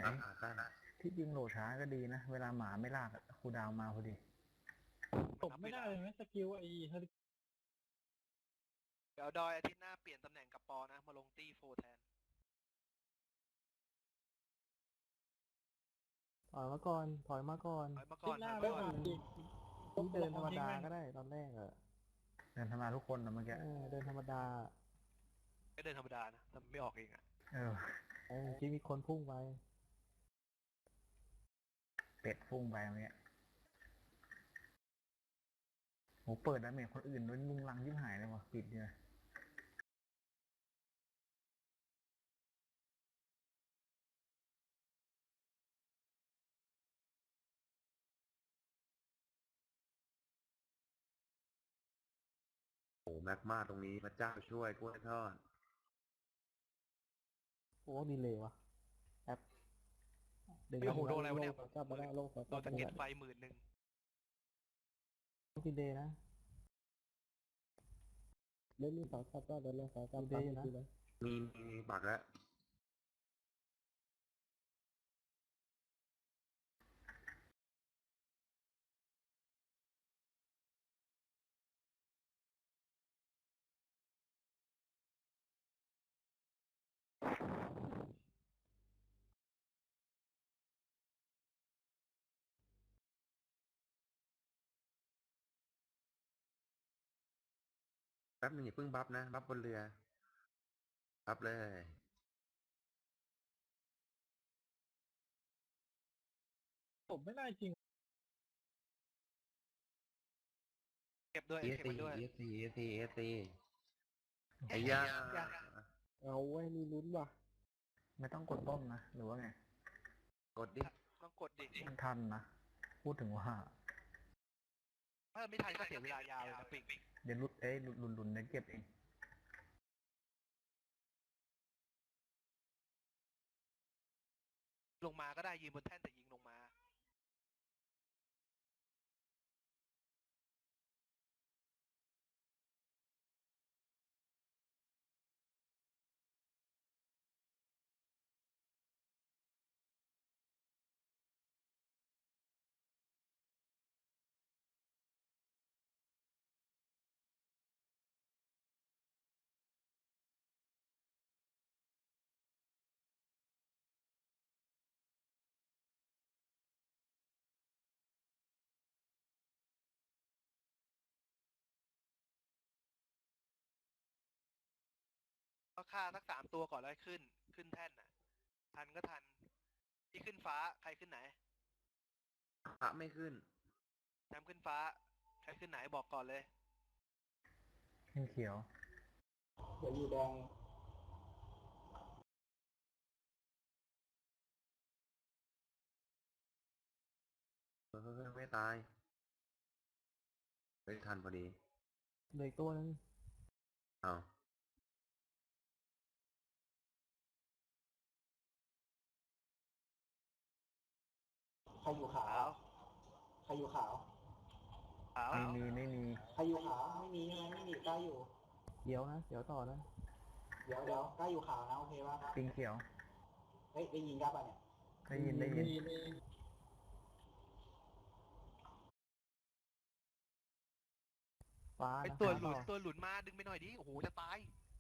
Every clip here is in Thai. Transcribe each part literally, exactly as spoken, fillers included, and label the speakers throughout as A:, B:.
A: ขาสั้น
B: ที่จริงโหลดช้าก็ดีนะ เวลาหมาไม่ลากอะครูดาวมาพอดี
C: ตบไม่ได้เลยไหมสกิลไอ้เฮลิ
D: เดี๋ยวดอยอาทิตย์หน้าเปลี่ยนตำแหน่งกับปอนะมาลงตี้โฟแทน
E: ถอยมาก่อน ถอยมาก่อน
D: ถอยมาก่อน
C: หน้า
D: ถอย
C: ไม่
D: มาก่อน
C: ดี
E: นี่เดินธรรมดาก็ได้ตอนแรกอะ
B: เดินธรรมดาทุกคนนะเมื่อกี้
E: เออเดินธรรมดา
D: ก็เดินธรรมดานะทำไม่ออกเองอ่ะ
B: เออ
E: เออที่มีคนพุ่งไป
B: เป็ดฟุ้งไปเมื่อกี้โหเปิดแล้วเมจคนอื่นด้วยลุงลังยิ่งหายเลยวะปิดเนี่ย
A: โอ้แม็กมาตรงนี้พระเจ้าช่วยกล้วยทอด
E: โอ้ดีเลยวะแอปดึง
D: ไอ้โหโดนอะไรวะเนี่ย
E: โลกกลับมาได้โลกกลับ
D: โด
E: มาน
D: ตะเก็ด
E: ได้
D: ไฟหมื่นหนึ่ง
E: ดีเลย์นะ
F: เล่นนี่สาวกลับก็เดินเลยสาวกลับ
E: ดีนะ
F: ดีเลย
A: มีมีปักแล้ว แป๊บนึงอย่าเพิ่งบัฟนะ บัฟบนเรือ บัฟเลย
C: ตบไม่ได้จริง
D: เก็บด้วย
A: เอ
D: เก็บ
A: ซี
D: มันด้วย
A: เอซีเอซีเอซีไอ้ยา
F: เอาไว้นี่ลุ้นว่ะ
B: ไม่ต้องกดต้มนะ หรือว่าไง
A: กดดิ
D: ต้องกดดิ
B: มันทันนะ พูดถึงว่า
D: ถ้าไม่ทันก็เสียเวลายาวเลยนะปิง
B: เดี๋ยวหลุดเอ้ยหลุดหลุดหลุดเดี๋ยวเก็บเอง
D: ลงมาก็ได้ยืนบนแท่นแต่ยิงลงมาก็ฆ่าสักสามตัวก่อนแล้วขึ้น ขึ้นแท่นน่ะ ทันก็ทัน ที่ขึ้นฟ้าใครขึ้นไหน
A: พระไม่ขึ้น
D: แชมป์ขึ้นฟ้า ใครขึ้นไหนบอกก่อนเลย
B: ขึ้นเขียว
F: เดี๋ยวอยู่แดง
A: เฮ้ยไม่ตายเฮ้ยทันพอดี
E: เหลยตัวนึง
A: เอา
F: ใครอยู่ขาว ใครอยู่ขาว
D: ขาว
B: ไม่มีไม่มี
F: ใครอยู่ขาวไม่มีใช่ไหมไม่มีกล้าอยู่
E: เดี๋ยวนะ เดี๋ยวต่อนะ
F: เดี๋ยวเดี๋ยวกล้าอยู่ขาวนะโอเคป่ะ
B: ปิงเขียว
F: เฮ้ยได้ยินกล้าป่ะเนี่ย
B: ได้ยินได้ยิน
E: ฟ้า
D: ไอ
E: นะ
D: ตัว
E: ฟ้า
D: หลุ
E: ต่
D: น
E: อ
D: ตัวหลุนมาดึงไปหน่อยดิ โอ้โหจะตาย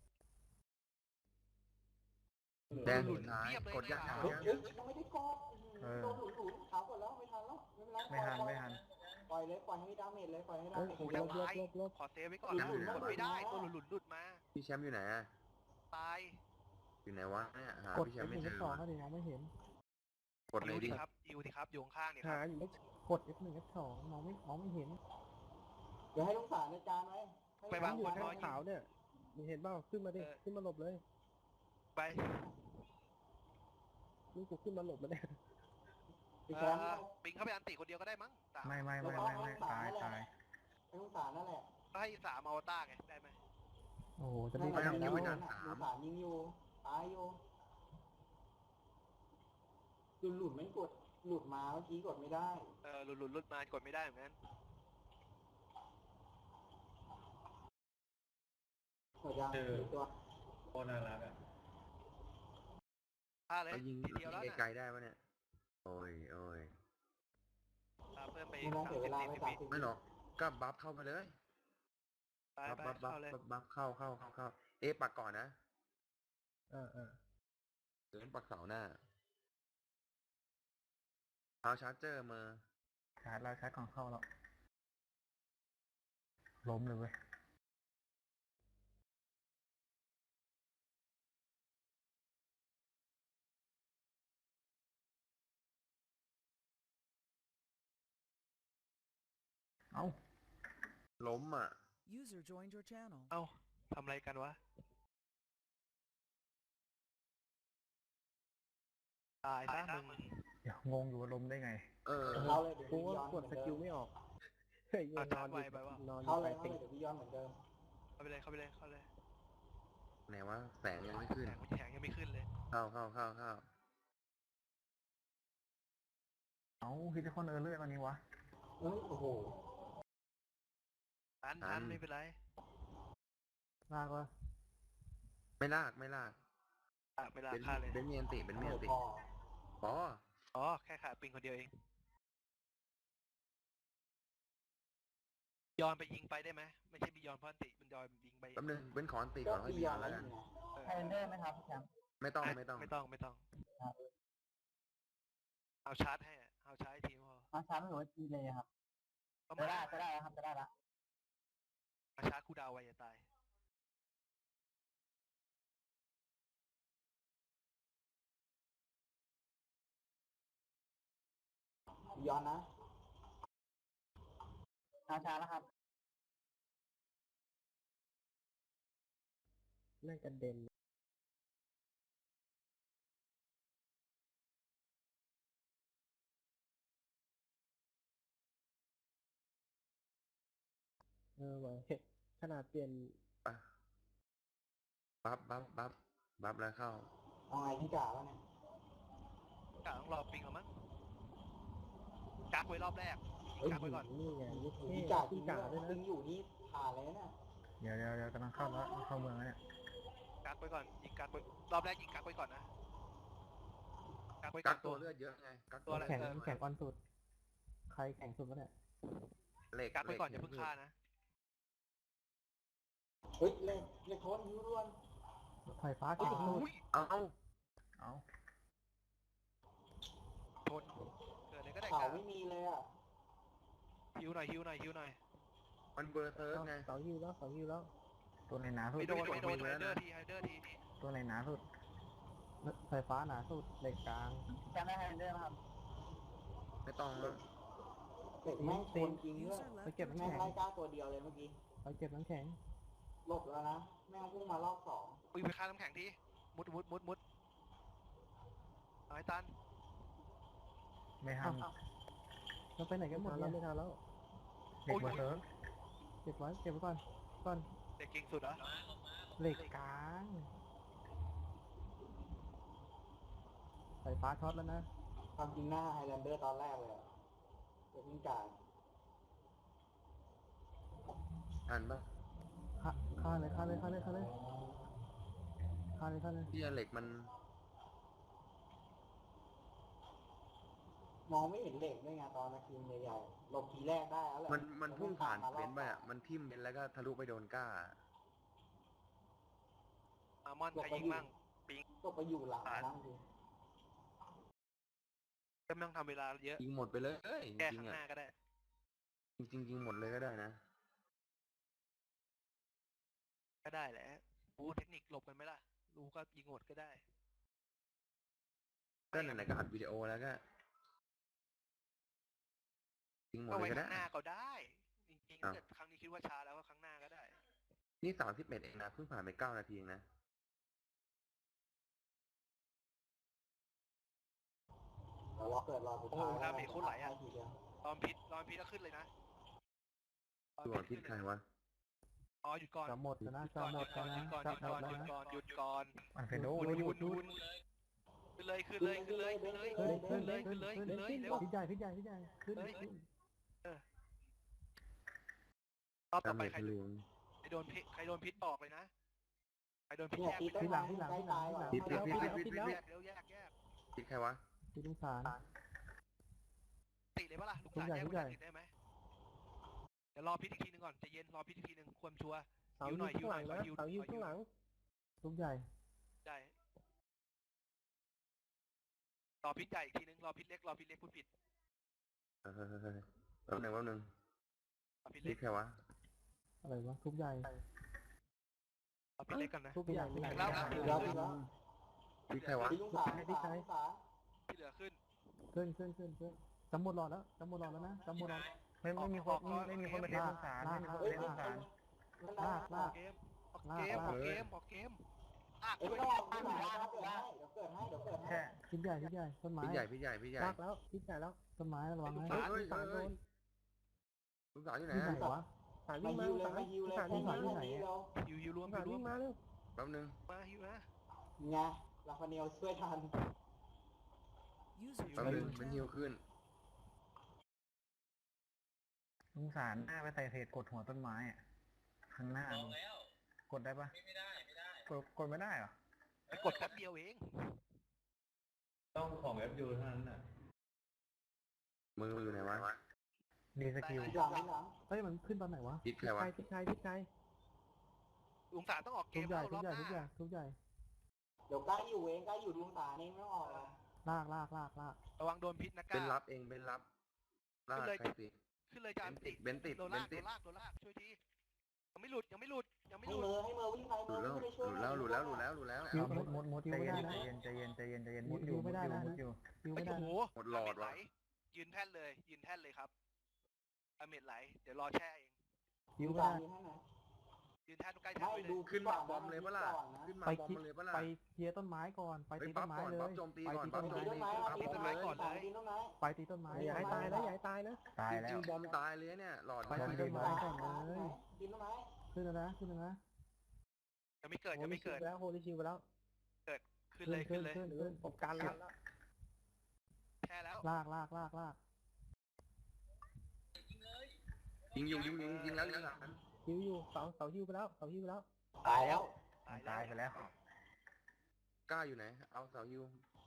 A: แดงสุดท้าย
D: เทียบเลย
A: กดยัง
D: นะ
A: ก
F: เฮ้
A: ด
F: ย
A: ยัง
F: เฮ้ยยังไม่ได้กด
B: เออ
F: โดนหลุนหลุนขาวกดแล้วไม่ทันแล้วไม่เป็นไร
B: ไม่ทันไม่ทัน
F: ปล่อยเลยปล่อยให้ดาเมจเลยปล่อยให้ดา
D: โอ้
F: เมจ
D: โหจะตาย ขอเซฟไว้ก่อนนะกดไม่ได้ ตัวหลุนหลุนหลุดมา
A: พี่แชมป์อยู่ไหนอะ
D: ตาย
A: อยู่ไหนวะเนี่ยหาก
E: ด
A: พี่แช
E: F
A: มป์
E: ห
A: ไม่
E: นึ่ง
A: เจ
E: F
A: อ
E: สองก็ดีมองไม่เห็น
A: กดเลย
D: ยิว
A: ดิ
D: ดิครับยิวดิครับ อยู่ข้างๆเนี่ยค
F: หา
D: รับ
F: อยู่ไม่
E: กด F หนึ่ง F สองมองไม่มองไม่เห็น
F: เดี๋ยวให้ลูกสารอาจารย์ไว้ให้
D: ไปวาง
F: ลูก
D: บ
F: ศร
D: นรอย
F: ขาวเนี่ย
D: มีเห็นเปล่าขึ้นมาดิ
F: ขึ้นมาหลบเลย
D: ไป
F: นี่กูขึ้นมาหลบมาเนี่ย
D: เออปิงเข้าไปอันติคนเดียวก็ได้มั้งสาม
B: ไม่ไม่ไม่ไม่ไม่ตายตาย
F: ให้ลูกสารนั่นแหละ
D: ก็ให้สามอวตารไง ได้ไหม
E: โอ้โห จะ
F: นั่
E: รี
F: น
E: บ
F: แหละ
E: ไป
F: ยิ
E: ไหน
F: ง
E: แล้ว
F: อยู่ลูกสารยิงอยู่ตายอยู่หลุดหลุดไม่กดหลุดมาเมื่อกี้กดไม่ได้
D: เออหลุดหลุดหลุดมากดไม่ได้เหมือนกัน
F: กดยัง
C: เออ
F: ตัว
C: โคตรน่ารักอ่ะ
D: ฆ่าเลย
A: เรายิง
D: ทีเดียวแล้ว
A: ยิง
D: นะ
A: ไกลๆได้ปะเนี่ย โอ้ยโอ้ย
D: ฆ่าเพิ่มไป
F: ไม่ต้อง
D: สาม
F: เสียเว
D: สิบ
F: ลา
D: สี่
F: ไม่
D: สิบ
F: สาม
D: วิ
F: สิบ
A: ไม่หรอกก็บัฟเข้ามาเลย
D: ไป
A: บัฟ
D: ไป
A: บัฟบัฟ
D: เข้าเลย
A: บัฟบัฟเข้าเข้าเข้าเข้าเอ๊ะปักก่อนนะ
E: เออเออ
A: เดินปักเสาหน้าเอาชาร์เจอร์มา
B: ชาร์จแล้วชาร์จก่อนเข้าแล้วล้มเลยเว้ยเอ้า
A: ล้มอ่ะ
G: User joined your channel.
D: เอ้าทำอะไรกันวะตายซะมึง
B: เดี๋ยวงงอยู่ว่าล้มได้ไง
A: เออ
F: เข้าเลยเดี๋ยว
E: กู
F: พี่
E: ว่า
F: ย้อน
E: กดสกิลไม่ออกเฮ้ยนอนอยู่นอนอ
F: เข้า
E: ยู่
F: เล
E: ไป
F: ยเข้า
E: ติ
F: เลยเดี๋ยวพี่ย้อนเหมือนเดิม
D: เข้าไปเลยเข้าไปเลยเข้าเลย
A: ไหนวะแสงยังไม่ขึ้น
D: แสงมันแข็งยังไม่ขึ้นเลย
A: เข้าเข้าเข้าเข้า
B: เอ้าฮิตคอนเออร์เลอร์ตอนนี้วะ
F: เอ้ยโอ้โห
D: ทันทันไม่เป็นไร
E: ลากวะ
A: ไม่ลากไม่ลาก
D: อ่ะไม่ลา
A: เป็น
D: ฆ่าเลย
A: เป็นเมียนติเป็นเมียนติ
F: พอ
A: อ๋อ
D: อ๋อแค่ขาปิงคนเดียวเองยอนไปยิงไปได้ไหมไม่ใช่บียอนพอนติมันยอนยิงไป
A: แป๊บนึงเป็นขอนติ
F: ก็
A: ก่อนค่อย
F: พี่
A: บี
F: ย้
A: ย
F: อ
A: อน น
F: แล้
A: แล้ว ว
F: อ
A: กัน
F: ยู่นะ
D: เออ
E: เดอร์ไหมครับแชมป์
A: ไม่ต้องไม่ต้อง
D: ไม่ต้องไม่ต้องเอาชาร์จให้อะเอาชาร์จให้ทีมพอ
E: มาช้าหรือว่าจีเลยครับ
D: ก็
E: จะ
D: มา
E: ได้จะได้แล้วครับจะได้แล้ว
D: เอาชาร์จคูดาวไว้อย่าตาย
F: พี่ย้อนนะ
E: มาช้าแล้วครับน่าจะเด่นเออว่ะเฮ้ยขนาดเปลี่ยน
A: ปะบัฟบัฟบัฟบัฟแล้วเข้า
F: เอาไงพี่กาวะเนี่ย
D: กะต้องรอปิงเอามั้งกักไว้รอบแรก
F: เฮ้ย
D: กักไว้ก่อน
E: นี่ไงนี่เท่
F: พี่กา
E: พี่กาด้วยนะ
F: ยิงอยู่นี่ผ่านเลยนะ
B: เดี๋ยวเดี๋ยวเดี๋ยวกำลังเข้าแล้วเข้าเมืองแล้วเนี่ย
D: กักไว้ก่อนยิงกักไว้รอบแรกยิงกักไว้ก่อนนะกักไว้
A: กั
D: กั
A: ก
D: ก
A: ตั
D: ตัว ว
A: เลือดเยอะไงกัก
D: ตัวอะไร
E: แข่ง
D: เออ
E: แข่งออนสุด ใครแข่งสุดวะเนี่ย
A: เหล็ก
D: กักไว้ก่อนอย่า
A: ห
D: เพิ่ง
A: ล็
D: ฆ่านะ
F: เฮ้ยเล่นเล่นโค้ดยิ้วด้วน
E: ไฟฟ้า
D: โอ้
E: แข่ง
D: โห
E: สุด
A: เอาเอา
B: เอ้า
D: ทนเกิดอะไรก็ได้
F: ข่าว
D: กั
F: ไม่มีเลยอ่ะ
D: ฮิวหน่อยฮิวหน่อยฮิวหน่อย
A: มันเบอร์เซิร์ฟไง
E: เสาฮิวแล้วเสาฮิวแล้ว
B: ตัวไหนหนาสุด
D: ไม่โดน
A: ไม่
D: ไม่
A: โด
D: โด
A: น
D: น
A: ไม่
D: ไฮ
A: โดน
D: เดอร์ทีไฮเดอร์ที
B: ตัวไหนหนาสุด
E: ไฟฟ้าหนาสุดเหล็กกลางจำได้ไฮเดอร์ครับ
A: ไม่ต้องแล้ว
F: เด็กแม่งโคนจริงด้วย
G: User
E: ไป
G: left
E: เก็บ
G: your
E: น้ำ
F: แม่ง
E: แข็ง
F: ไล่กล้าตัวเดียวเลยเมื่อกี้
E: ไปเก็บน้ำแข็ง
F: หลบแล้วนะ แม่งพุ่งมารอบสอง
D: อุ้ยไปฆ่าน้ำแข็งทีมุดมุดมุดมุดเอาให้ตัน
B: ไม่ทั
E: อ้าน วเราไปไหนกันหมดแล้วไม่ทันแล้ว
B: เด็กเบอร์เซิร์ฟ
E: เก็บไว้เก็บไว้ก่อนก่อน
D: เด็กเก่งสุดเหรอ
E: เหล็กกลางไฟฟ้าช็อตแล้วนะ
F: ความจริงหน้าไฮแลนเดอร์ตอนแรกเลยอะเด็กวิ่งกาย
A: ทันปะ
E: ฆ่าฆ่าเลยฆ่าเลยฆ่าเลยฆ่าเลยฆ่าเลยฆ่าเลย
A: ที่เหล็กมัน
F: มองไม่เห็นเหล็กด้วยไงตอนนาทีมใหญ่ๆหลบทีแรกได้แล้วแหละ
A: มันมันพุ่งผ่าน
F: แล้ว
A: เบนซ์ไป
F: ร
A: อ่ะ มันทิ่มเบนซ์แล้วก็ทะลุไปโดนก้า
D: อามอนใครยิงมั่ง
F: ก็ไปอยู่หลังนะจริง
D: ก็ไม่ต้องทำเวลาเยอะ
A: ยิงหมดไปเลยเอ้ยจ
D: แก้
A: ริง
D: ข้าง
A: ๆ
D: ห
A: อ่ะ
D: น้าก็ได้
A: จริงๆยิงหมดเลยก็ได้นะ
D: ก็ได้แหละรู้เทคนิคหลบกันไหมล่ะ รู้ก็ยิงหมดก็ได้
A: ก็ไหนๆก็อัดวิดีโอแล้วก็ยิงหมด
D: ก็
A: เล
D: ไว้
A: ยก็
D: ข้า
A: ได้
D: งหน้าก็ได้ จริงๆ
A: อ้า
D: ถ้าว เกิดครั้งนี้คิดว่าช้าแล้วก็ครั้งหน้าก็ได้
A: นี่สามสิบเอ็ดเองนะเพิ่งผ่านไปเก้านาทีเองนะ
F: เดี๋ยวรอเกิดรอสุดท้าย
D: โอ้โหดาเมจโคตรไหลอะ
F: ทีเดียว
D: ตอนพิษตอนพิษก็ขึ้นเลยนะตอน
A: ตัวพิษ
D: ขึ้น
A: ใคร
D: เลยนะ
A: วะ
D: อ๋อหยุดก่อน
E: จะหมดแล้วนะ
D: หยุด
E: จะ
D: ก่อน
E: หม
D: หยุ
E: ด
D: ดก่
E: แล้
D: อ
E: วน
D: หยุ
E: นะ
D: ดก่อนห
E: จะ
D: ยุด
E: หม
D: ก่อ
E: ด
D: นหยุ
E: แล้ว
D: ดก่อน
E: นะ
D: หยุดก่อน
B: อันเฟโด
D: หยุดหยุดหยุดขึ้นเลยขึ้นเลยขึ้นเลยขึ้นเลยขึ้นเลยขึ้นเลยขึ้นเลยขึ้นเลยเร็ว
E: พี่ใหญ่พี่ใหญ่พี่ใหญ่ขึ้น
D: เฮ้ย
E: ขึ้น
D: รอบต่
A: ดา
D: อ
A: เม
D: ไป
A: จ
D: ใคร
A: ทะลุ
D: ใครโดนพิษใครโดนพิษบอกเลยนะไปโดนพิษ
F: เนี่ย
D: แยก
F: ตีต้น
B: ที่หลั
F: ไม้
B: งที่หลัง
F: ใกล้
B: ที่หลั
F: ตาง ย
B: ที่
F: ก่อน
B: หลัง
A: พิษพิษพิษพิษพิษ
D: แย
A: พิษ
D: กเร็วแยกแยก
A: พิษใครวะ
B: ที่ลุงสาร
D: ติเลยปะล่ะลูก
B: ทุก
D: สาว
B: อย่าง
D: แยก
B: ทุกอย่าง
D: ติดได้ไหมเดี๋ยวรอพิษอีกทีนึงก่อนใจเย็นรอพิษอีกทีนึงความชัวร์
C: เสา
D: ฮิวห
C: ยิ
D: น่อย
C: งข้างหลัง
D: ฮิวหน่
C: นะ
D: อยฮิว
C: เสายิง
D: ฮิว
C: ข้างหลัง
B: ทุกใหญ่
D: ได้รอพิษใหญ่อีกทีนึงรอพิษเล็กรอพิษเล็กพูดผิด
A: เฮ้ยเฮ้ยเฮ้ยแป๊บหนึงแป๊บหนึง
D: รอพิษ
A: พิ
D: เล็
A: ษ
D: ก
A: ใครวะ
B: อะไรวะทุกใหญ่
D: รอพิษเล็กกันนะ
B: ทุกใหญ่ทุกใหญ่
D: แล้ว
F: ตีแล้วตีแล้ว
A: พิษใครวะ
F: ตีลุงสารลุงสารลุงสาร
D: ที่เหลือขึ้น
B: ขึ้นขึ้นขึ้นขึ้นจำหมดหลอดแล้วจำหมดหลอดแล้วนะจำหมดหลอด
C: ไม่ไม่มีคนไม่ไม่มีคนมาเทสงสารไม่มีคนมา
F: เฮ้ย
C: เทส
F: มัน
C: งสาร
F: มัน
B: ลากลาก
D: เกมออกเกมออกเกมออกเกมลาก
F: เอ้ย
D: ช่วย
F: ไม่ต้องออกลุงสารเดี๋ยวเกิดให้เดี๋ยวเกิดให้
C: แค่
B: ทุกใหญ่ทุกใหญ่ต้นไม้
A: พิษใหญ่พิษใหญ่พิษใหญ่
C: ลากแล้วพิษใหญ่แล้ว
B: ต้นไม้ระวัง
D: ลูก
B: นะ
D: สาว
A: เฮ้ย
C: สารโดน
A: ลูกสาวอยู่ไหน
B: ที่ไหน
A: อะ
B: วะ
C: สาร
F: มา
C: วิ่งมา
F: ฮิวเลย
C: สาร
F: มาฮิวเลย
C: สารวิ่งมา
F: มาฮิวเลย
D: ฮิวฮิวรวม
C: สาร
D: ฮิวรว
C: วิ่
D: ม
C: งมาเร็ว
A: แป๊บหนึง
D: มาฮิวนะ
F: ไงลาฟาเนียลช่วยทัน
A: แป๊บหนึงเป็นฮิวขึ้น
B: ลุงสารหน้าไปใส่เศษกดหัวต้นไม้อะข้างหน้าลุงกดได้ปะไม่ได้ไม่ได้กดกดไม่ได้เหรอ
D: ไปกดแป๊บเดียวเอง
G: ต้องของ เอฟ ยู เท่านั้นน่ะ
A: มืออยู่ไหนวะ
B: ดีสกิล
F: หลังหลัง
B: เฮ้ยมันขึ้นตอนไหนวะ
A: พิษใคร
C: พิษ
A: วะ
C: ไกพิษไกพิษไก
D: ลุงสาวต้องออกเก
B: ทุก
D: ม
B: ใหญ่
D: แล้ว
B: ทุ
D: ร
B: ก
D: อบ
B: ใหญ่
D: ห
B: ทุกใหญ่
D: น้า
B: ทุกใหญ่
F: เดี๋ยวใกล้อยู่เองใกล้อยู่ลุงสารเองไม่ต้องออกหรอก
B: ลากลากลากลาก
D: ระวังโดนพิษนะก้า
A: เป็นรับเองเป็นรับลากใครติด
D: ขึ้นเลยจานติด
A: เบนติด
D: โดน
A: เบ
D: ลาน ก
A: ติ
D: โด
A: ด
D: นลากโดนลากช่วยทียังไม่หลุดยังไม่หลุดยังไม่
F: ให้
D: หลุด
F: เมอให้เมอวิ่งไป
A: ห
F: เม
A: ลุ
F: อ
A: ด
F: วิ่
A: แล้ว
F: งไป
A: ห
F: ช่วย
A: ลุดแล้วหลุดแล้วหลุดแล้วหลุดแล้ว
B: คิว
A: เอา
B: หมดหมดหมด
C: ใจ
B: คิวไม่
C: เย็
B: ได้
C: น
B: นะ
C: ใจเย็นใจเย็นใจเย็นใจเย็น
B: มุ
C: มุ
B: ด
C: ด
B: อ
C: อยู่ ยู่
B: ไม่
C: มุด
B: ได้
C: อยู่
B: นะ
C: มุดอยู่
B: คิว
D: ไอ้
B: ไม่ได้
D: โอ้โห
B: นะ
A: หมดหลอด
D: ไหล
A: ว่ะ
D: ยืนแท่นเลย ยืนแท่นเลยครับอเมดไหล เดี๋ยวรอแช่เอง
B: คิว
F: ลุง
B: ไม่
F: สาร
B: ได้
F: อยู่ให้ไหน
D: ยืนแท่นใกล้แท่น
F: ไม่
D: ไว้เล
F: ดู
D: ย
A: ขึ้นมาบอมเลยปะล่ะ
F: ก่อนนะ
A: ขึ้นมา
B: ไป
A: บอม
B: คิด
A: เลยปะล่ะ
B: ไปเคลียร์ต้นไม้ก่อนไป
A: เฮ้ย
B: ตีต้นไม้
A: ปั๊บก่อน
B: เลย
A: ปั๊บโจมตี
B: ไป
A: ก่อน
B: ตีต้น
A: ปั๊บโจ
B: ไม้
A: ม
F: ตีต้นไม้
A: ปั๊บ
F: ตี
A: โจ
F: ต้
A: ม
F: นไม้
A: ตี
F: ก่อนตีต้นไม้
B: ไปตีต้นไม้
C: อย่าให้ตายนะอย่าให้ตายนะ
B: ตาย
A: จ
B: แล้ว
A: ริงๆบอมตายเลยเนี่ยหลอด
B: ไปตีต้นไม้ก่อนเลย
F: ตีต้นไม้
B: ขึ้นแล้วนะขึ้นแล้วนะ
D: ยังไม่เกิด
C: โฮ
D: ยัง
C: ลิ
D: ไม่
C: ชิว
D: เกิด
C: ไปแล้วโฮลิชิวไปแล้ว
D: ขึ้นเลยขึ้นเลย
B: ขึ้น
C: หรือผมกันแล้ว
D: แช่แล้ว
B: ลากลากลากลาก
A: ยิงอยู่ยิงอยู่ยิงแล้วยิงหลัง
C: ฮิวอยู่เสาเสาฮิวไปแล้วเสาฮิวไปแล้ว
F: ตายแล้ว
D: ตาย
B: ตายไปแล้ว
A: กล้าอยู่ไหนเอาเสาฮิว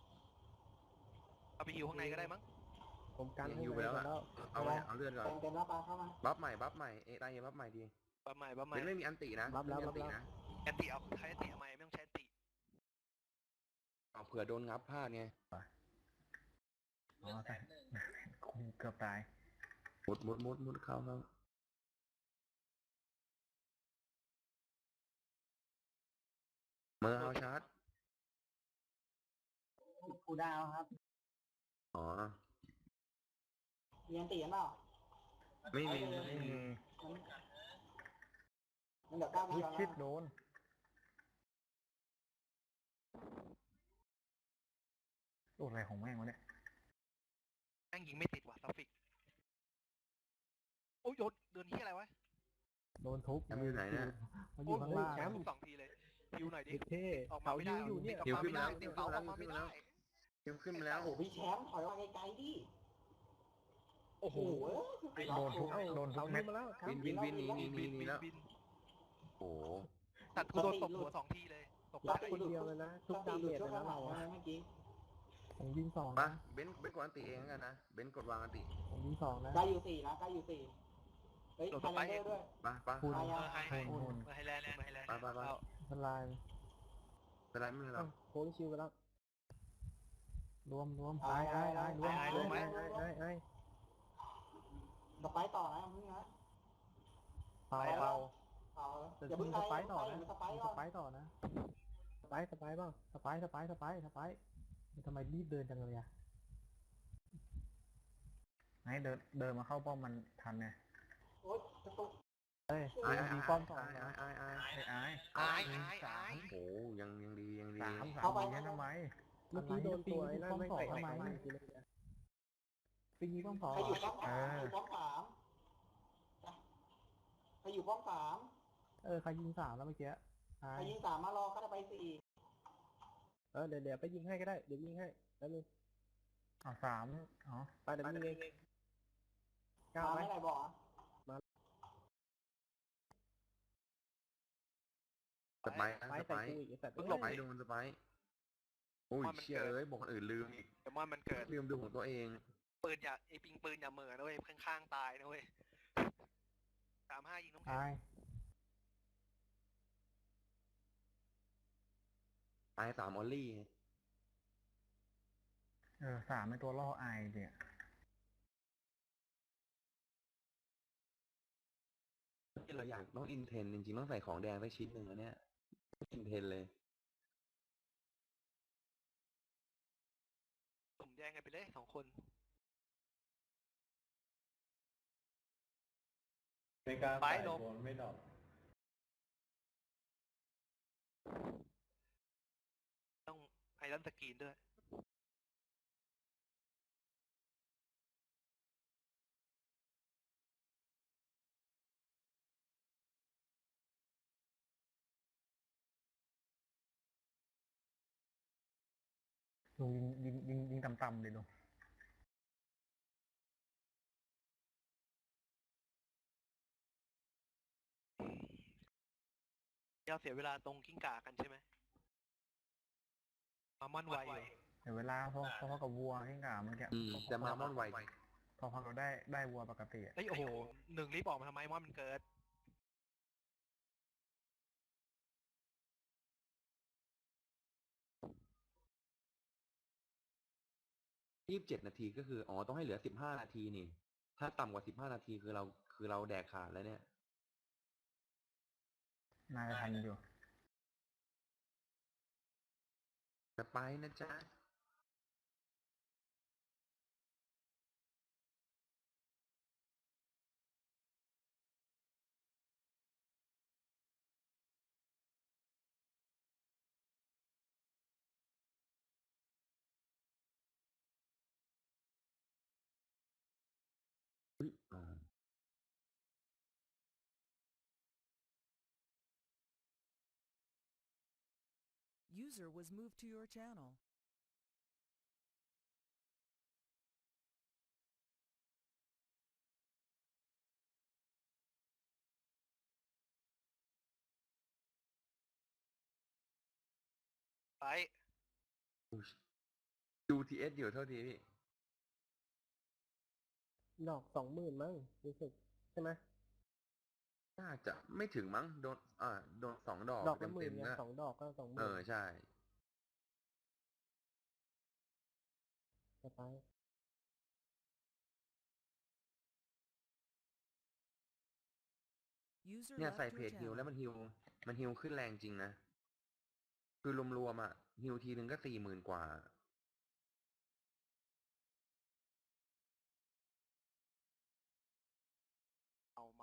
D: เอาไปฮิวข้างในก็ได้มั้ง
C: ผมกัน
A: ยิง
C: ให้
A: ฮิว
C: ไป
A: ไปแล้ว
C: แล้
A: อะ
C: ว
A: เอาไปเอาเลือดก่อน
F: เต็มเต็มแล้วปลาเข้ามา
A: บัฟใหม่บัฟใหม่เอตายบัฟใหม่ดี
D: บัฟใหม่บัฟใหม่
A: เป็นไม่มีอันตินะ
C: รับแล้ว
A: ไม่
C: รับ
A: มี
C: แล้ว
A: อันตินะ
D: แอนติเอาใช้แอนติทำไมไม่ต้องใช้แอนติ
A: เอาเผื่อโดนงับพลาดไง
B: อ๋อตายคงเกือบตาย
A: มุดมุดมุดมุดเข้าเข้าเมื่อเอาชาร์จ
F: กูดาวครับ
A: อ๋อ
F: มีอันตีกันเปล่า
A: ไม่มี
B: ไม่มี
F: มันเดี๋ยวก้าว
B: วิ
F: มา
B: ชิดโดนโอ้อะไรของแม่งวะเนี่ย
D: แม่งยิงไม่ติดว่ะซัฟฟิกโอ้ยโยนเดินที่อะไรวะ
B: โดนทุบ
A: แชมป์อยู่ไหนเนี่ย
B: มันอยู่ข้างล่าง
D: แชมป์สองทีเลยฮิวหน่อยดิ
C: เด็กเท่
D: ออกมา
C: เสา
D: ไม่
C: ฮิ
D: ได้
C: วอยู่เนี่ย
D: ออกมาไม่ได้ติดเสาออกมาไม่ได้
A: เกมขึ้นมาแล้ว
F: โอ้โหพี่แชมป์ถอยมาไกลๆดิ
D: โอ้โห
F: โอ้โห
B: โดนทุบ
C: เอ้า
B: โดนทุ
C: เสา
B: บ
C: ฮิ
B: เม็
C: ว
B: ด
C: มาแล้วครั
A: วิ
C: บ
A: นวินวินหนีหนีหนี
D: บิน
A: หนี
D: บิน
A: แล้ว
D: บิน
A: โอ้โห
D: ตัดกูโดนตบหัวสองทีเลยตบ
C: รั
D: ได้
C: บคนเดียวเลยนะทุกดาเมจเลยนะเราอะ
F: เมื่อกี้
B: ผมยิงสอง
A: มา
B: นะ
A: เบนซ์เบนซ์กดอันติเองแล้วกันนะเบนซ์กดวางอันติ
B: ผมยิงสองนะ
F: ใกล้อยู่สี่นะใกล้อยู่สี่เฮ้ยไฮแลนเดอร์ด้วย
A: ไปไป
B: คุณ
D: เออให้ให้
B: หุ่นหุ่น
D: มาให้แลนด์มาให้แลนด์
A: ไปไปไป
D: เอา
B: ทลาย
A: สไลด์ไม่เป็นไรหรอก
C: โฮลิชิวไปแล้ว
B: รวมรวมไอ้ไอ้ไอ้รวม
C: ไอ้
B: รวม
C: ไอ้ไอ้ไอ้
F: สไปต่อนะมึงนะ
B: เปล่าเปล่า
F: เอา
B: แต่
F: อย่า
B: คุ
F: เพิ่
B: ณ
F: ง
B: ส
F: ไป
B: ไปต่อนะ
F: สไป
B: คุณ
F: ก่
B: ส
F: อน
B: ไปต่อนะ
C: สไปสไปเปล่า
B: สไปสไปสไปสไปทำไมรีบเดินจังเลยอะไอ้เดินเดินมาเข้าป้อมมันทันไง
F: โอ๊ยกระตุก
B: เอ้ย
A: ไอ้
B: มัน
A: ไอ้
B: มี
A: ไอ้
B: ป้อมสอง
A: ไอ้
B: นะ
A: ไอ้ไอ้
B: ไอ้ไอ้
D: อายอายอาย
A: โอ้ยังยังดียังดี
B: สามสามดีนะทำไม
C: เมื่อกี้โดนตัวไอ้นั่น
B: ป้อม
C: ไม่
B: สอง
C: เตะ
B: ทำไม
C: เข้ามาทีนึง
B: ปีนี้ป้อมสอง
F: ใครอยู่ป้อมสามใครอยู่ป้อมสามใครอยู่ป้อมสาม
B: เออใครยิงสามแล้วเมื่อกี้ไอ้
F: ใครยิงสามมารอเขาจะไปสี่
C: เออเดี๋ยวเดี๋ยวไปยิงให้ก็ได้เดี๋ยวยิงให้แล้วนึง
B: อ๋อสามอ๋อ
C: ไปเดี๋ยวยิงเองก้าว
F: มา
C: ไป
F: ไม่ไหนบอก
A: สไปร์นะ
E: ไป
A: สไป
E: ใส่
A: ร์
E: กูอีกไอ้สัตว์
D: มึง
A: ส
D: หลบ
A: ไปร์โดนสไปร์โอ้ยเชี่ยเอ้ยบอกคนอื่นลืมอีก
D: เดมอนมันเกิด
A: ลืมดูของตัวเอง
D: ปืนอย่าไอปิงปืนอย่าเหม่อนะเว้ยข้างๆตายนะเว้ยสามห้ายิงน้องแข็
E: ตาง ย
A: ตายสามออลลี่
B: เออสามเป็นตัวล่อไอเนี่ย
A: ที่เราอยากต้องอินเทนจริงๆต้องใส่ของแดงไปชิ้นหนึ่งแล้วเนี่ยอินเทนเลย
D: สุ่มแย่งกันไปเลยสองคน
G: ในการ
D: ไป
G: ใส่
D: หลบ
G: โดนไม่ดรอก
D: ต้องไอรอนสกรีนด้วย
B: ลุงยิงยิงยิงยิงต่ำๆเลยลุง
D: ยาเสียเวลาตรงกิ้งก่ากันใช่ไหมมามันไวอยู่
B: เดี๋ยวเวลาพอพอพอกับวัวที่กล่าวเมื่อกี้
A: อืม
B: พอพอ
A: แต่มาม่อนไว
B: พอพอเราได้ได้วัวปกติอะ
D: เฮ้ยโอ้โหหนึ่งรีบออกมาทำไมมอนมันเกิด
A: ยี่สิบเจ็ดนาทีก็คือ อ๋อ ต้องให้เหลือสิบห้านาทีนี่ ถ้าต่ำกว่าสิบห้านาทีคือเราคือเราแดกขาดแล้วเนี่ย
B: นายทันอยู่
A: สไปร์นะจ๊ะ อุ๊ยอ่า
H: User was moved to your channel.
D: ไป
A: อุ๊ยดูทีเอสอยู่เท่าทีพี่
E: ดอกสองหมื่นมั้งรู้สึกใช่ไหม
A: น่าจะไม่ถึงมั้ง โดน อ่า โดนสองดอก
E: ดอกละหมื่
A: เต็
E: น
A: ม
E: ไง
A: ๆนะ
E: สองดอกก็สองห
A: เอ
E: มื่น
A: อ ใช่
E: สไปร์
H: User
A: เนี่ย
H: left
A: ใส่
H: your
A: เพจฮิว
H: channel.
A: แล้วมันฮิว มันฮิวขึ้นแรงจริงนะ คือรวมๆอ่ะฮิวทีนึงก็สี่หมื่นกว่า
D: เอาเมา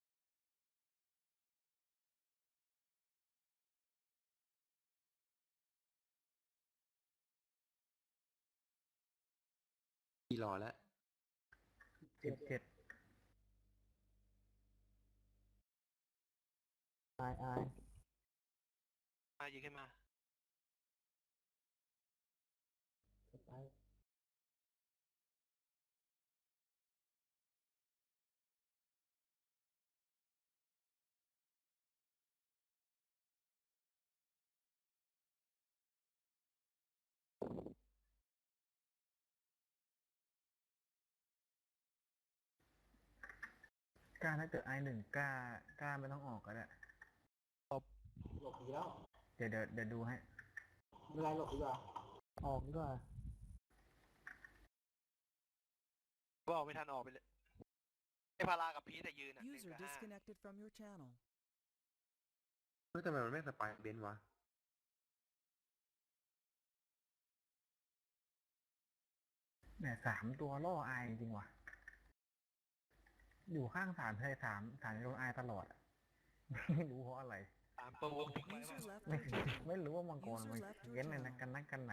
A: พี่รอแล้ว
B: สิบเจ็ด
E: อายอาย
D: มายิงขึ้นมา
E: สไปร์
B: กล้าถ้าเกิดไอหนึ่งกล้ากล้าไม่ต้องออกก็ได้
F: หลบดีแล้ว
B: เดี๋ยวเดี๋ยวเดี๋ยวดูให้
F: ไม่เป็นไรหลบดีกว่า
E: ออกดีกว่า
D: บอกไม่ทันออกไปเลยไอพารากับพีแต่ยืนอ่ะหนึ่ง
H: User
D: กับห้า
H: disconnected from your channel.
A: เฮ้ยทำไมมันไม่สไปร์เบนซ์วะ
B: เนี่ยสามตัวล่อไอจริงว่ะ อยู่ข้างสามเลยสามสามโดนไอตลอดอะ ไม่รู้เพราะอะไร
D: ตามตัววง
H: User left
B: ไม่
H: your channel.
B: ไม่รู้ว่ามังกรมัน
H: User left your
B: เว้นเลยนะ
H: channel.
B: กันนักกันหนา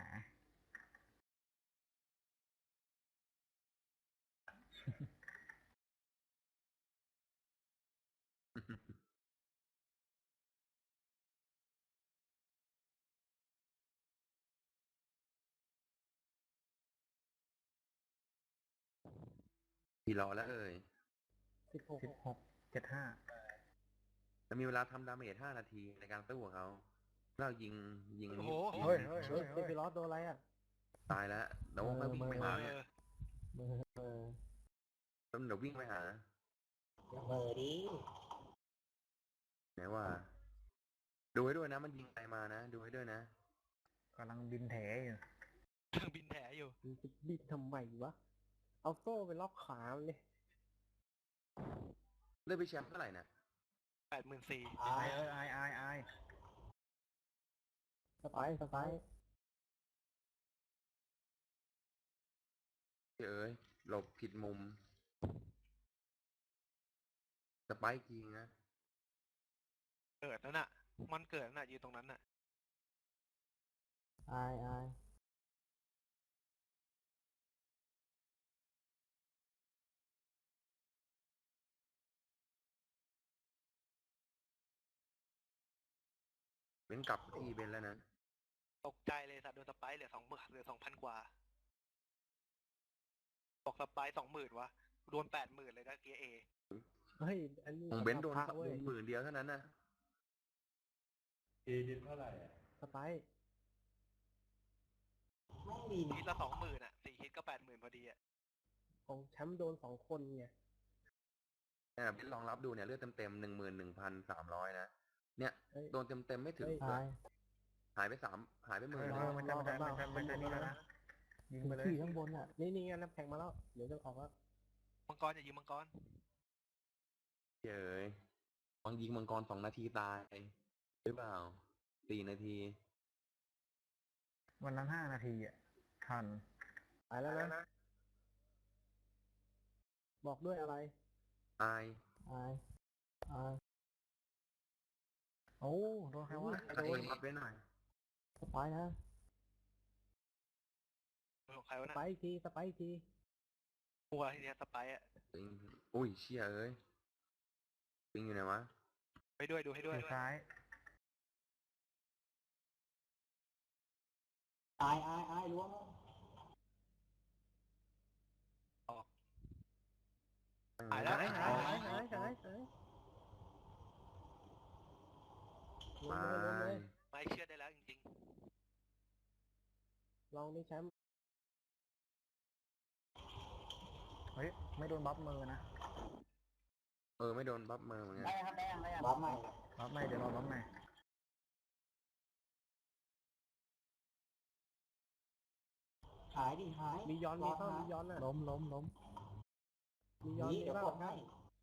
A: พี่รอแล้วเอ่ย
E: สิบหก
B: สิบหกเจ็ดห้า
A: จะมีเวลาทำดาเมจห้านาทีในการสู้กับเขาเรายิงยิง
D: โอ้โห
A: ยิง
B: เฮ้ยเฮ้ย
E: เฮ้
B: เฮ้
E: ย
B: ย
E: เซฟิลอสโดนอะไรอ่ะ
A: ตายแล้วเดี๋ยวค่อยวิ่งไปหาเนี่ย
E: เบอร์เบอร์
A: แล้วเดี๋ยววิ่งไปหา
F: เบอร์ดิ
A: ไหนว่า ดูให้ด้วยนะมันยิงใครมานะ ดูให้ด้วยนะ
B: กำลังบินแถอยู่
D: เครื่องบินแถอยู่
E: มันจะบิดทำไมวะ เอาโซ่ไปล็อกขามันเลย
A: เลือกไปแชมป์เท่าไหร่นะ
D: แปดหมื่นสี่
F: อา
B: ไอาย เอ้ยไอายอายอาย
E: สไปร์สไปร์
A: เอ้ยหลบผิดมุมสไปค์จริงนะ
D: เกิดนั่นน่ะ มันเกิดนั่นน่ะยืนตรงนั้นน่ะ
E: อายอาย
A: เป็นกลับที่เป็นแล้วนะ
D: ตกใจเลยสัตว์โดนสไปร์เหลือสองหมื่นเหลือสองพันกว่าบอกสไปร์สองหมื่นวะโดนแปดหมื่นเลยนะเกียร์เอ
E: เฮ้ย อันนี้
A: ของเบนซ์โดน
E: พระเว้ย
A: หมื่นเดียวเท่านั้นนะ
G: เอดินเท่าไหร่อ่ะ
E: สไปร์
F: ไม่มี
D: ฮิตละสองหมื่นอ่ะสี่ฮิตก็แปดหมื่นพอดีอ่ะ
E: ของแชมป์โดนสองคนไง
A: เนี่ยเบนซ์ลองรับดูเนี่ยเลือดเต็มๆหนึ่งหมื่นหนึ่งพันสามร้อยนะ เนี่ย
E: เฮ้ย
A: โดนเต็มๆไม่ถึง
E: เฮ้ย
A: ด้ว
E: อาย ย
A: หายไปสามหายไปห
B: เอ
A: มื่น
B: อ
A: ห
B: เอ
A: นึ่
B: อง มันจะมันจะมันจะมันจะนี่แล้วนะยิงไปเลย
E: ขี่ข้างบนอ่ะ นี่นี่ไงน้ำแข็งมาแล้ว เดี๋ยวจะออกแล้ว
D: มังกรอย่ายิงมังกร
A: เจ๋ยบางยิงมังกรสองนาทีตายหรือเปล่าสี่นาที
B: วันนั้นห้านาทีอ่ะทัน
E: ไปแล้วนะ บอกด้วยอะไร
A: อาย
E: อายอาย
B: โอ้โดนใครวะ
A: ตะเองรับไว้หน่อย
E: สไปร์นะ
D: ของใคร
E: ส
D: วะน่ะ
E: ไปร์อีกที สไปร์อีกที
D: หัวทีเนี้ยสไปร์อ่ะ
A: ปิงอุ้ยเชี่ยเอ้ยปิงอยู่ไหนวะ
D: ไปด้วยดูให้ด้วย
B: มือซ้าย
F: อายอายอายล้วง
D: หายแล้ว
E: หาย
A: อ๋อ
E: หายหายหายหายลง
A: มา
E: เลยลงเลย
D: ไม่เชื่อได้แล้วจริง
E: ลองดิแชมป์
B: เฮ้ยไม่โดนบัฟมือนะ
A: เออไม่โดนบัฟมือเหมือนกัน
F: ได้ครับได้ยังได้ยังรับใหม่
B: บัฟไม่เดี๋ยวรอบัฟใหม่
F: หายดิหาย
E: มีย้อน
F: ร
E: มี
F: อ
E: เข้า
F: หา
E: มีย้อนอ่ะ
B: ล้มล้มล้ม
E: มีย้อน
F: นี่
E: มี
F: เดี๋ยว
E: บ้าง
F: กดให้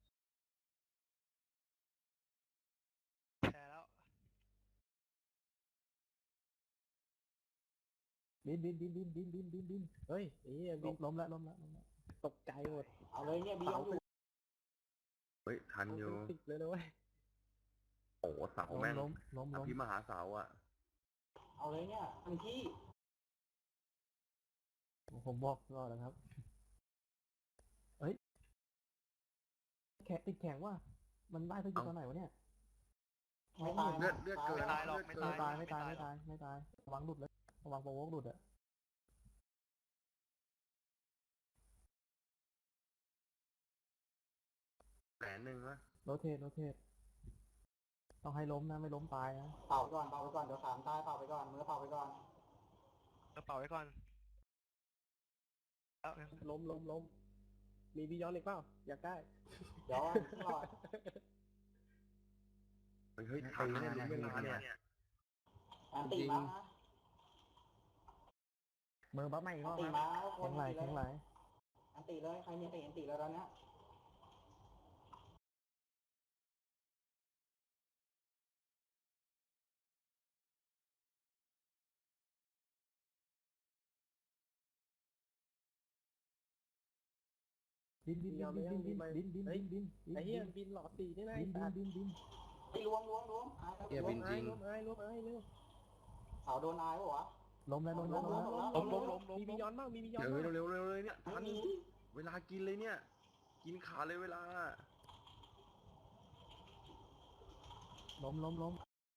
D: ๆแชร์แล้ว
E: บินบินบินบินบินบินบินบินเฮ้ยไอ้เหี้ยบินล้มแล้วล้มแล้วล้มแล้วตกใจหมด
F: เอาเลยเนี่ยบียอนอยู่
A: เฮ้ยทัน
E: เอา
A: อยู่
E: เป็นสิบเลยนะเว้ย
A: โอ้โหเสา
E: ล้ม
A: แม่ง
E: ล้มล้ม
A: อ
E: ล้ม
A: ภิมหาเสาอ่ะ
F: เอาเลยเนี่ยทันที่
E: ผมบอกรอดนะครับเฮ้ยแขกติดแข็งว่ะมันได้ทุกที
A: เอ้า
E: ตอนไหนวะเนี่ย
F: ไม่ตาย
A: เลือดเลือดเกิน
D: ไม่ตายหรอกไม่
E: ไม่
D: ตาย
E: ตายไม่ตายไม่ตายไม่ตายระวังหลุดเลยระวังโปรโวกหลุดอะ
A: แสนหนึ่งวะ
E: โรเทตโรเทตต้องให้ล้มนะไม่ล้มตายนะ
F: เป่าไปก่อนเป่าไปก่อนเดี๋ยวสามตายเป่าไปก่อนมือเป่าไปก่อน
D: กระเป๋าไว้ก่อนแล้ว
E: ล้มล้มล้มมีบียอนอีกเปล่าอยากได้
F: เดี๋ยวรอด
A: เฮ้ยเฮ้ยทันนะเนี่ยลุ้นเวลาเนี่ย
F: อันตีมานะ
B: มือบัฟไม่อีกร
F: อัน
B: อบ
F: ตี
B: นะ
F: มาค
E: แข็
F: น
E: งไหล
F: ตีเล
E: แข็
F: ย
E: งไหล
F: อันตีเลยใครมีอันตีอันตีเลยตอนเนี้ย
E: บินบินบินบินบินบินบินบินบินไอ้เหี้ยบินหลอดตีนี่นะบิ
F: à?
E: นบินบินบิน
F: ไอ้ล้วงล้วงล้วงอายครับ
A: เหี้ยบินจริง
E: ล้มไอ้ล้มไอ้เร็ว
F: เสาโดนอายปะวะ
E: ล้มแล้วล้มแล้วล้มแล้ว
D: ล้มล้มล้มล้ม
E: มีบียอนบ้างมีบียอน
A: เดี๋ยว
E: บ้าง
A: เร็วเร็วเร็วเลยเนี่ยทั
F: ไม่
A: น
F: มี
A: เวลากินเลยเนี่ย กินขาเลยเวลา
E: ล้มล้มล้ม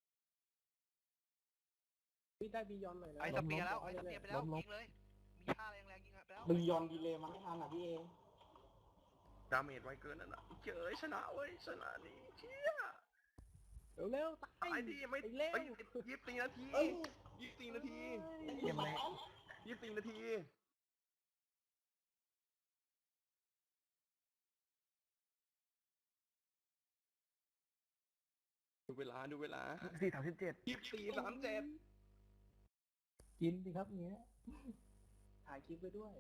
E: พี่ได้บียอนหน่อยนะ
D: ไอ้สเปียร์แล้วไอ้สเปียร์ไปแล้วยิงเลยมีท่าแรงๆยิงไปแล้ว
F: บียอนดีเลยมันไม่ทันอ่ะพี่เอ
A: ดาเมจไวเกินนั่นน่ะเจ๋ยชนะเว้ยชนะนี่เชี่ย
E: เร็วๆตาย
A: ตายดิไม่
E: ไปเร็ว
A: เอ้ยยี่สิบสี่นาทียี่สิบสี่นาที
B: เยี่ยมเลย
A: ยี่สิบสี่นาทีดูเวลาดูเวลา
B: สี่สามสิบเจ็ด
A: ยี่สิบสี่สามเจ็ด
E: กินสิครับเนี้ยถ่ายคลิปไปด้วย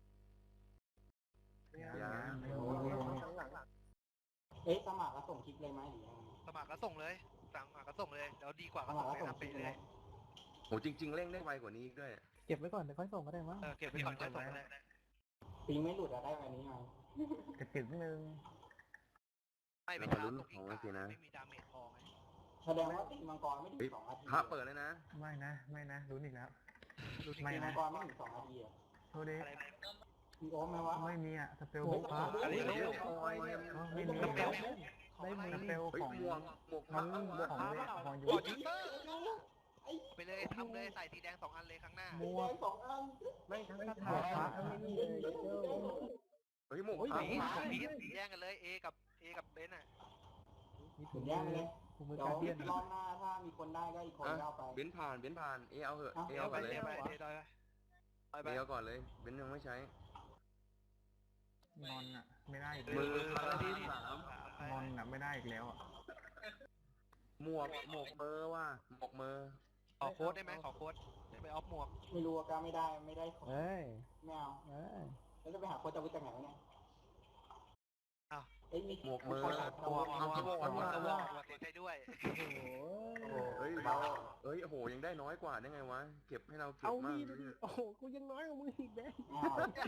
A: ยัง
E: ข้างหลัง
F: เอ๊ะสมัครแล้วส่งคลิปเลยไหมหรือยังไง
D: สมัครก็ส่งเลยสั่งมาก็ส่งเลยเดี๋ยวดีกว่า
F: ส
D: ก็
F: มั
D: ส่
F: ครง แล้ว
D: เลย
F: ส่ง
D: นะ
F: คลิ
D: ไป
F: ปเลย
D: เล
F: ไหม
D: ย
A: โหจริง ๆเร่งได้ไวกว่านี้อีกด้วย
E: เก็บไว้ก่อนเดี๋ยวค่อยส่งก็ได้มั้ง
D: เออเก็บไว้ก่อนก็ส่งเลย
F: ปิงไม่หลุดอะได้แบบนี้ไหม
B: จะถึงหนึ่ง
D: ไม่ไป
A: เรา
D: ช้า
A: ลุ้น
D: ตรงอี
A: ของ
D: ก
A: ไว้สินะ
D: ไม่มีดาเมจพอไง
F: แสดงว่าตีมังกรไม่ถึงสองนาที
A: พระเปิดเลยนะ
B: ไม่นะ ไม่นะรู้อีกแล้ว
D: รู้จริง
B: ไม่
F: ตี
B: นะ
F: มังกรไม่ถึงสองนาทีอะ
B: โทษดิ
D: อะไรนะ
F: มีโอมไหมวะ
B: ไม่มีอ่ะสเปลบุกฟ้า
D: อะไร
A: เร็ว
D: นะ
A: โอ้ย
B: อ๋อไม่มี
D: สเปลของ
E: ได้
D: อะไร
E: มื
B: สเปล
A: เฮ้ย
B: ของ
A: หมวกหมวก
B: น้อง
A: พระ
B: ของเวทของยู
D: กดยูเซอร์ไปเลยทำเลยใส่สีแดงสองอันเลยข้างหน้า
F: มีแดงสองอัน
E: ไม่ทั้งคาถาพระทั้งนี่เลยเจ้า
A: เฮ้ยหมวก
E: โอ้ย
A: พระ
D: สี
A: หมวกพระ
D: สีสีแดงกันเลย A กับ A กับเบนอ่ะ
E: มี
F: ถึ
E: ถุ
F: ง
E: ง
F: แย
E: มื
F: ก
E: อ
F: เลย
E: ถุงมือ
F: เดี๋ยว
E: การเดียน
F: รอบหน้าถ้ามีคนได้ก็อีกคนก็เอาไป
A: เบนซ์ผ่านเบนซ์ผ่านเอเอาเหอะ
F: เอ้า
A: เอ
D: เอา
A: เอา
D: ไป
A: ก่อนเลย
D: เทไปเทไปไปไป
A: เอเอาก่อนเลยเบนซ์ยังไม่ใช้
B: งอนอ่ะ ไม่ได้อีก
A: มื
B: แล้ว
A: อพลังที่สาม
B: งอนอ่ะไม่ได้อีกแล้วอ่ะ
A: หมวกหมวกเบอร์ว่ะหมวกเบอร์
D: ขอโค้ดได้ไหมขอโค้ดไปออฟหมวก
F: ไม่รู้ว่าก็ไม่ได้ไม่ได้ของ
E: เอ้ย
F: ไม่เอา
E: เอ้ย
F: แล้วจะไปหาโค้ชจะไปจากไหนวะเนี่ย
D: อ้าว
F: เอ้ยมี
A: หมวกเบอร์
F: โค้ชหา
D: หมวกหมวก
A: เอา
D: หมวก
A: เอา
D: หมวก
A: เอา
D: หมวกหมวกใช้ด้วย
E: โอ้โห
A: เฮ้ยเราเฮ้ยโอ้โหยังได้น้อยกว่าได้ไงวะเก็บให้เราเก็บ
E: เอา
A: มาก
E: นี่ดิโอ้โหกูยังน้อยกว่ามึงอีกแม่
F: อ้าว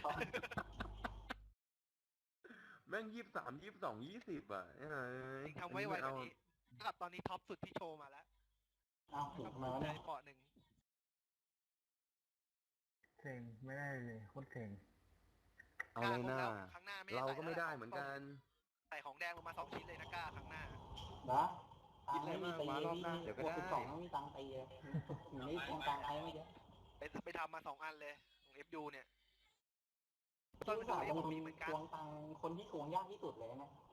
A: แม่งยี่สิบสามยี่สิบสองยี่สิบอ่ะเอ้ย
D: ทำไว้ไวกว่านี้ระดับตอนนี้ท็อปสุดที่โชว์มาแล้ว
F: อ้าวถึง
D: ท็อป
F: ทำไม
D: สุด
F: วะ
D: เล
F: เนี่ย
D: ยเกาะหนึ่ง
B: เซ็งไม่ได้เลยโคตรเซ็ง
A: เอาเลยหน้า
D: ข้างหน้าไม่
A: เรา
D: ใส่
A: ก็ไม่ได้เหมือนกัน
D: ใส่ของแดงลงมาสองชิ้นเลยนะกล้าข้างหน้า
F: นะตังค์ไม่มีตี
A: คิดอะไรมากวะรอบ
F: พี่
A: หน้าเดี๋ยวก็
F: บวก
A: ได้
F: สิบสองไม่มีตังค์ตีเลยถึงไม่แทงตังค์ไอ้ไม่เยอะ
D: ไปไปทำมาสองอันเลยของ เอฟ ยู เนี่ยตอน
F: ที่
D: ไป
F: สา
D: ทำ
F: ม
D: เอฟ
F: คน
D: มีเหมือนกัน
F: ทวงตังค์คนที่ทวงยากที่สุดเลยนะ